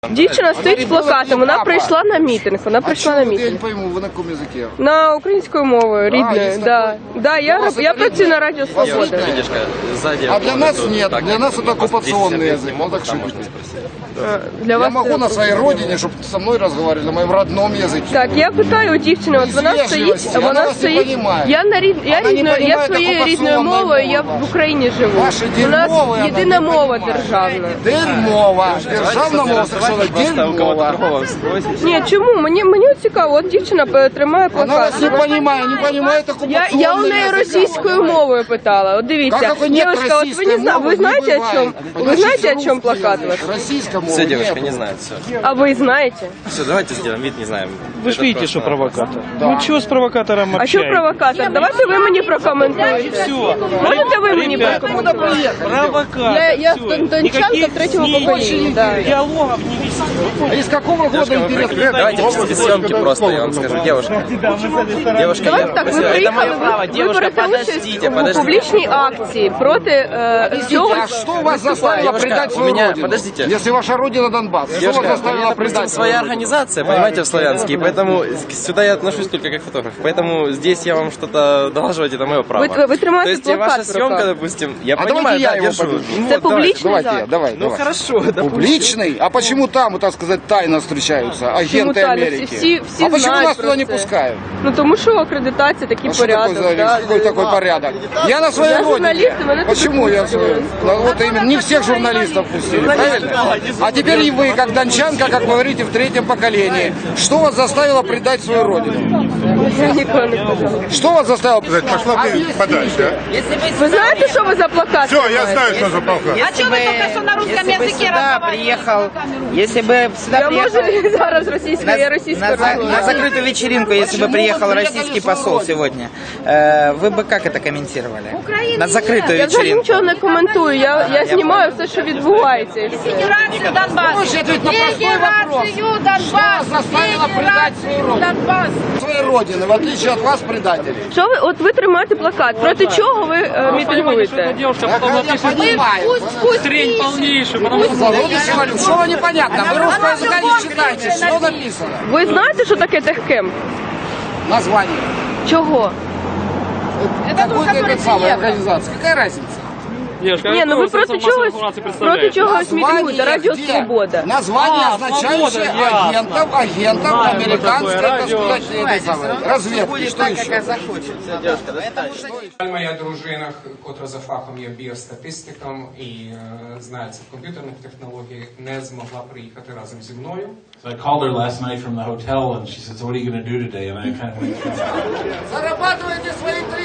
Дівчина стоїть з плакатом, вона прийшла на мітинг, Я не пойму, ви на якому язикі? На українською мовою, рідною, да. Я працюю на Радіо Свобода. А для нас нет, для нас это оккупационный язык, вот так шутите. Для Я вас могу на своей родине, чтобы со мной разговаривали на моем родном языке. Так, я питаю у дівчини, от вона стоїть, я своєю рідною мовою, я в Україні живу. У нас єдина мова державна. Дерьмова. Державна мова совершенно дерьмова. Ні, чому? Мені цікаво, от дівчина тримає Она плакат. вас не понимает оккупационный Я у неї язык. російською мовою питала. От дивіться, Как нет девушка, от российской мовы, ви знаєте, не о чому? бывает. Ви знаєте, о Значит, чому русский плакат язык. ваш? Российская мова. Все, девушка, нет. не знает, все. А вы знаете? Все, давайте сделаем вид, не знаем. Вы же видите, что провокатор. Да. Ну чего с провокатором А що общаетесь? провокатор? Давайте ви мені прокоментуєте. Все. Можете ви мені Ребята, прокоментуєте? провокатор. Я Всё. дончанка Никаких третьего СМИ, поколения, да. Диалогов не вести. А из какого года интерес? Давайте без съемки просто, я вам скажу. Девушка, Давайте так, ви это мое право. приїхали, ви Девушка, берете участь подождите, у подождите. публічній акції проти цього. А что вас заставило Девушка, предать у свою меня- родину? подождите. Если ваша родина Донбасс, что вас Девушка, у заставило меня, допустим, предать своя свою родину? организация, понимаете, в Славянске, и поэтому сюда я отношусь только как фотограф. Поэтому здесь я вам что-то долаживать, это мое право. Вы тримаете То есть плакат ваша в съемка, руках. допустим, я А понимаю, давайте я да, его держу. подержу. Ну, Це вот, давай. публічний Давайте я, захід. давай, Ну давай. хорошо, допустим. Публичный? А почему там, так сказать, тайно встречаются агенты тайно? Америки? Всі А почему знають нас про туда не це. пускают? Ну тому що акредитація, такий А что такое порядок. за да. какой такой порядок? Я на своей Я родине. журналист, и меня Почему тут я пустили. Ну, вот именно, не всех журналистов пустили, правильно? А теперь и вы, как дончанка, как вы говорите, в третьем поколении. Что вас заставило предать свою родину? Я ніколи не казала. Что вас заставило? Пошла ты подальше. Ви знаєте, що ви за плакат? Все, я тримаєте? знаю, что за полка. А что вы только что на русском языке приехал, если бы сюда Я приехал можу зараз російською, я російською на розмовляю. закрытую вечеринку, если бы приехал российский посол сегодня, вы бы как это комментировали? На закрытую Я взагалі вечеринку. нічого не коментую, я знімаю все, що відбувається. І все. Федерацию Донбасс. Можете ответить на простой вопрос. Федерацию Донбасс. Что заставило предать свою родину? Донбасс. Своей родины, в отличие от вас, предателей. Що ви, от ви тримаєте плакат, проти чого ви мітингуєте? Девушка Я потом напишет понимаю. трень полнейшую, потому что Зародыши валю. Что непонятно? Вы русского языка не читаете. Что написано? Ви знаєте, що таке техкемп? Название. Чого? Какой-то этот самый организация. Какая разница? девушка, Ні, ну ви какую проти массовую чогось, информацию проти представляете? чогось мітингуєте, Радіо где? Свобода. Название, А, означающее «Свобода», ясно. агентов Знаем мы американской, такое так радио. сказать, этой самой, разведки. Будет Что так, еще? как захочет. Моя дружина, котра за фахом є біостатистиком і знається в комп'ютерних технологіях, не змогла приїхати разом зі мною. So I called her last night from the hotel, and she said, "So what are you going to do today?" And I kind of went through. Зарабатываете свои